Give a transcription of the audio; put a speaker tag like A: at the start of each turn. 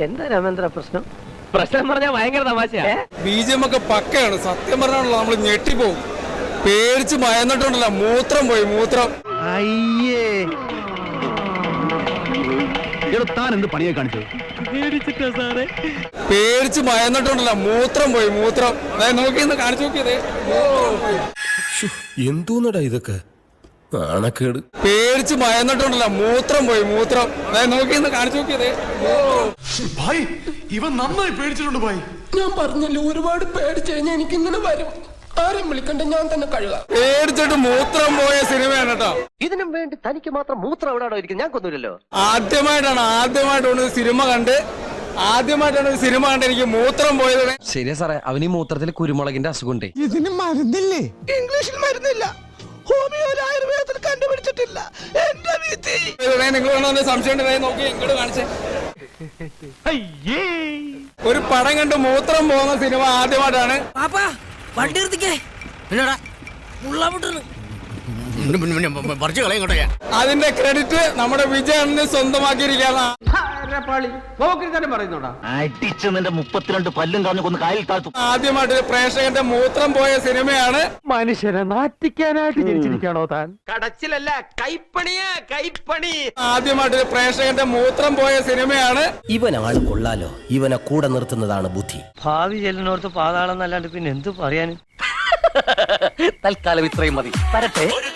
A: എന്താ രാമേന്ദ്ര പ്രശ്നം? പ്രശ്നം പറഞ്ഞാൽ ഭയങ്കര തമാശയാ.
B: ബീജം ഒക്കെ പക്കയാണ്. സത്യം പറഞ്ഞാണല്ലോ നമ്മൾ ഞെട്ടിപ്പോവും. പേടിച്ച് മയന്നിട്ടുണ്ടല്ലോ, മൂത്രം പോയി മൂത്രം.
C: അയ്യേ താൻ എന്ത് പണിയെ കാണിച്ചു?
B: പേടിച്ച് മയന്നിട്ടുണ്ടല്ലോ, മൂത്രം പോയി മൂത്രം. നോക്കിയെന്ന് കാണിച്ചു നോക്കിയതേ.
D: എന്തോന്നടാ ഇതൊക്കെ നാണക്കേട്.
B: പേടിച്ച് മയന്നിട്ടുണ്ടല്ലോ, മൂത്രം പോയി മൂത്രം. നോക്കിയെന്ന് കാണിച്ചു നോക്കിയതേ.
E: ഭായ് ഇവൻ നന്നായി പേടിച്ചിട്ടുണ്ട് ഭായ്.
F: ഞാൻ പറഞ്ഞല്ലോ, ഒരുപാട് പേടിച്ചു കഴിഞ്ഞാൽ എനിക്ക് ഇങ്ങനെ വരും. ആരും വിളിക്കണ്ട, ഞാൻ തന്നെ കഴുകാം.
B: പേടിച്ചിട്ട് മൂത്രം പോയ സിനിമയാണ് കേട്ടോ.
A: ഇതിനും വേണ്ടി തനിക്ക് മാത്രം മൂത്രം എവിടെയാണോ ഇരിക്കുന്നത്? ഞാൻ കൊന്നുമില്ലല്ലോ.
B: ആദ്യമായിട്ടാണ് ഒരു സിനിമ കണ്ട് എനിക്ക് മൂത്രം പോയത്.
G: ശരിയാ സാറേ, അവന് ഈ മൂത്രത്തിൽ കുരുമുളകിന്റെ അസുഖമുണ്ട്.
C: ഇതിന് മരുന്നില്ലേ?
F: ഇംഗ്ലീഷിൽ മരുന്നില്ല, ഹോമിയോയിൽ ആയുർവേദത്തിൽ കണ്ടുപിടിച്ചിട്ടില്ല. എന്റെ വിധി.
B: നിങ്ങൾ സംശയം നോക്കി ഇങ്ങോട്ട് കാണിച്ചേ. ഒരു പടം കണ്ട് മൂത്രം പോകുന്ന സിനിമ ആദ്യമായിട്ടാണ്.
H: വണ്ടി നിർത്തിക്കേ.
B: അതിന്റെ ക്രെഡിറ്റ് നമ്മുടെ വിജയണ്ണന് സ്വന്തമാക്കിയിരിക്കുകയാണ്.
C: അടിച്ച് നിന്റെ 32 പല്ലും കളഞ്ഞു കൊന്ന് കായൽ താഴ്ത്തും.
B: ആദ്യമായിട്ട് ഒരു പ്രേക്ഷകന്റെ മൂത്രം പോയ സിനിമയാണ്.
A: മനുഷ്യനെ നാറ്റിക്കാനായിട്ട് ജനിച്ചിരിക്കണോ താൻ?
G: കടച്ചിലല്ല, കൈപ്പണിയാ കൈപ്പണി.
B: ആദ്യമായിട്ട് ഒരു പ്രേക്ഷകന്റെ മൂത്രം പോയ സിനിമയാണ്.
I: ഇവനാണ് കൊള്ളാലോ, ഇവനെ കൂടെ നിർത്തുന്നതാണ് ബുദ്ധി.
A: ഭാവി ചെല്ലിനോർത്ത് പാതാളം എന്നല്ലാണ്ട് പിന്നെ എന്ത് പറയാനും.
I: തൽക്കാലം ഇത്രയും മതി. വരട്ടെ.